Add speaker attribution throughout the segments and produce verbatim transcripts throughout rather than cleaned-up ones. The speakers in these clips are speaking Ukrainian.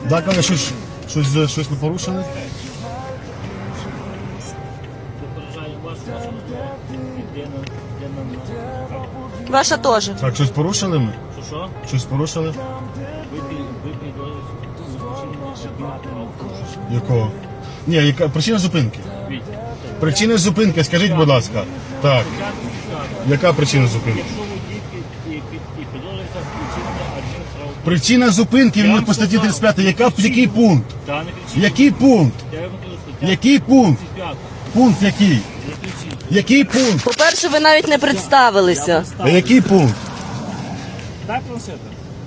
Speaker 1: Так, але щось, щось, щось не порушили?
Speaker 2: Ваша теж.
Speaker 1: Так, щось порушили ми?
Speaker 3: Що, що?
Speaker 1: Щось порушили?
Speaker 3: Випій, випій дозу.
Speaker 1: Якого? Ні, яка причина зупинки?
Speaker 3: Віть.
Speaker 1: Причина зупинки, скажіть, будь ласка. Так. Яка причина зупинки?
Speaker 3: Якщо водій під- і під- і підозрюється вчинення адмінправопорушення.
Speaker 1: Причина зупинки він по статті тридцять п'ять. Яка, який пункт?
Speaker 3: Та не кричіть.
Speaker 1: Який пункт?
Speaker 3: Я вам кажу, стаття
Speaker 1: Який пункт?
Speaker 3: тридцять п'ята.
Speaker 1: Пункт який?
Speaker 3: Не кричіть.
Speaker 1: Який пункт?
Speaker 2: По-перше, ви навіть не представилися.
Speaker 1: А який пункт?
Speaker 3: Дай планшета.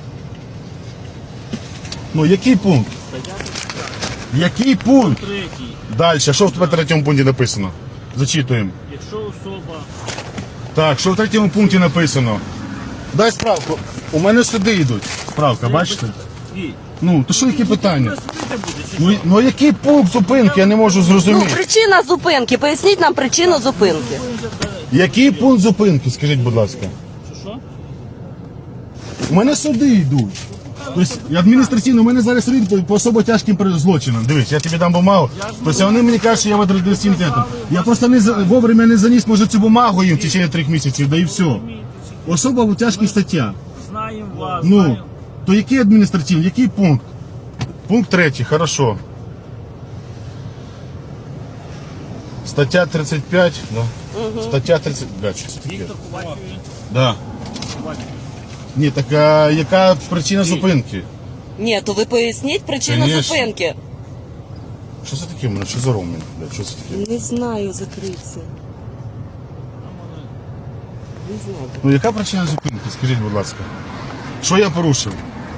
Speaker 1: Ну, який пункт? Який пункт?
Speaker 3: Третій.
Speaker 1: Далі, що в тебе в третьому пункті написано? Зачитуємо.
Speaker 3: Якщо особа
Speaker 1: Так, що в третьому пункті написано? Дай справку. У мене сюди йдуть. Справка, бачите?
Speaker 3: Віть.
Speaker 1: Ну, то що, які питання?
Speaker 3: Судити буде, чи
Speaker 1: Ну,
Speaker 3: що?
Speaker 1: ну який пункт зупинки, я не можу
Speaker 2: Ну,
Speaker 1: зрозуміти.
Speaker 2: причина зупинки. Поясніть нам причину зупинки.
Speaker 1: Який пункт зупинки, скажіть, будь ласка?
Speaker 3: Що, що?
Speaker 1: У мене суди йдуть. Тобто адміністраційно, у мене зараз суди по- по особо тяжким при- злочинам. Дивись, я тобі дам бумагу. Тобто вони мені кажуть, що я в адміністративному центрі. Я просто не за- вовремя не заніс, може, цю бумагу їм в течение трьох місяців, да і все. Особа в тяжких статтях.
Speaker 3: Знаємо вас,
Speaker 1: Ну,
Speaker 3: знаємо.
Speaker 1: то який адміністративний, який пункт? Пункт третій, хорошо. Стаття тридцять п'ять, да. Стаття тридцять п'ять, що це таке?
Speaker 3: Віктор Ковачеві.
Speaker 1: Да.
Speaker 3: Ковачеві.
Speaker 1: Ні, так а яка причина зупинки?
Speaker 2: Ні, то ви поясніть причину
Speaker 1: Конечно.
Speaker 2: зупинки.
Speaker 1: Що це таке в мене? Що за ром? Блядь, що це таке?
Speaker 2: Не знаю, закриться. Не знаю.
Speaker 1: Ну яка причина зупинки? Скажіть, будь ласка. Що я порушив?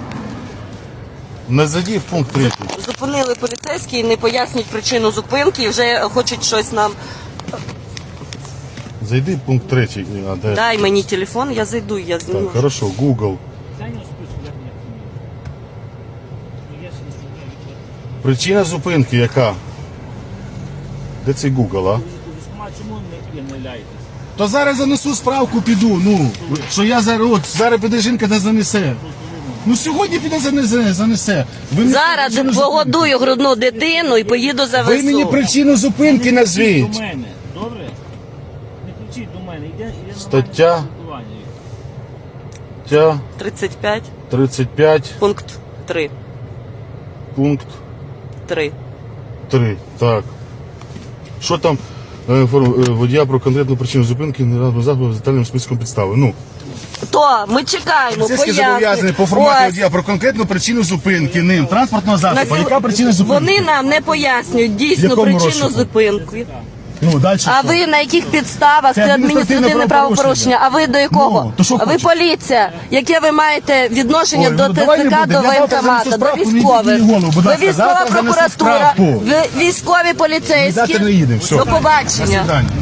Speaker 1: Не зайди в пункт третій.
Speaker 2: Зупинили поліцейські і не пояснюють причину зупинки і вже хочуть щось нам.
Speaker 1: Зайди в пункт третій. А, де?
Speaker 2: Дай мені телефон, я зайду, я зніму.
Speaker 1: Так, хорошо, Google.
Speaker 3: Дай на списку, як мені Ну, я ще не знаю, Віктор.
Speaker 1: Причина зупинки яка? Де цей Google, а?
Speaker 3: У військкомат чому не являєтесь?
Speaker 1: То зараз занесу справку, піду, ну, що я зараз, от, зараз піде жінка та занесе. Ну сьогодні піде занесе, занесе. Ви мені
Speaker 2: Зараз
Speaker 1: причину зупинки-
Speaker 2: погодую грудну дитину і поїду за
Speaker 1: Ви мені
Speaker 2: ВСУ.
Speaker 1: причину зупинки
Speaker 3: Не
Speaker 1: назвіть.
Speaker 3: кричіть до мене, добре? Не кричіть до мене, йде, йде
Speaker 1: Стаття.
Speaker 3: нормальне спілкування.
Speaker 1: Стаття
Speaker 2: тридцять п'ять,
Speaker 1: тридцять п'ять,
Speaker 2: пункт три.
Speaker 1: пункт
Speaker 2: три.
Speaker 1: три. Так. Що там? Е, інформ- е, Водія про конкретну причину зупинки не заходу з детальним списком підстави. Ну,
Speaker 2: То ми чекаємо,
Speaker 1: поліцейські зобов'язані
Speaker 2: пояснення.
Speaker 1: по форматі
Speaker 2: Ось.
Speaker 1: водія про конкретну причину зупинки ним транспортного
Speaker 2: На
Speaker 1: засобу.
Speaker 2: сьо-
Speaker 1: Яка причина зупинки?
Speaker 2: Вони нам не пояснюють дійсну
Speaker 1: Якому
Speaker 2: причину
Speaker 1: розшуку?
Speaker 2: зупинки.
Speaker 1: Ну, далі
Speaker 2: А
Speaker 1: що?
Speaker 2: ви на яких підставах
Speaker 1: Це
Speaker 2: це
Speaker 1: адміністративне
Speaker 2: адміністративне правопорушення? А ви до якого?
Speaker 1: Ну, то що
Speaker 2: а ви
Speaker 1: хочеш?
Speaker 2: поліція. Яке ви маєте відношення
Speaker 1: Ой,
Speaker 2: до
Speaker 1: ну, давай не
Speaker 2: ТЦК,
Speaker 1: будемо.
Speaker 2: до
Speaker 1: Я завтра
Speaker 2: воєнкомата,
Speaker 1: занесу
Speaker 2: до
Speaker 1: справку, не
Speaker 2: військових?
Speaker 1: йдіть мені в голову, будь
Speaker 2: Ви
Speaker 1: ласка.
Speaker 2: військова
Speaker 1: Завтра занесу
Speaker 2: прокуратура,
Speaker 1: справку.
Speaker 2: ви військові поліцейські.
Speaker 1: Завтра не їдемо, все.
Speaker 2: До побачення.
Speaker 1: До свидання.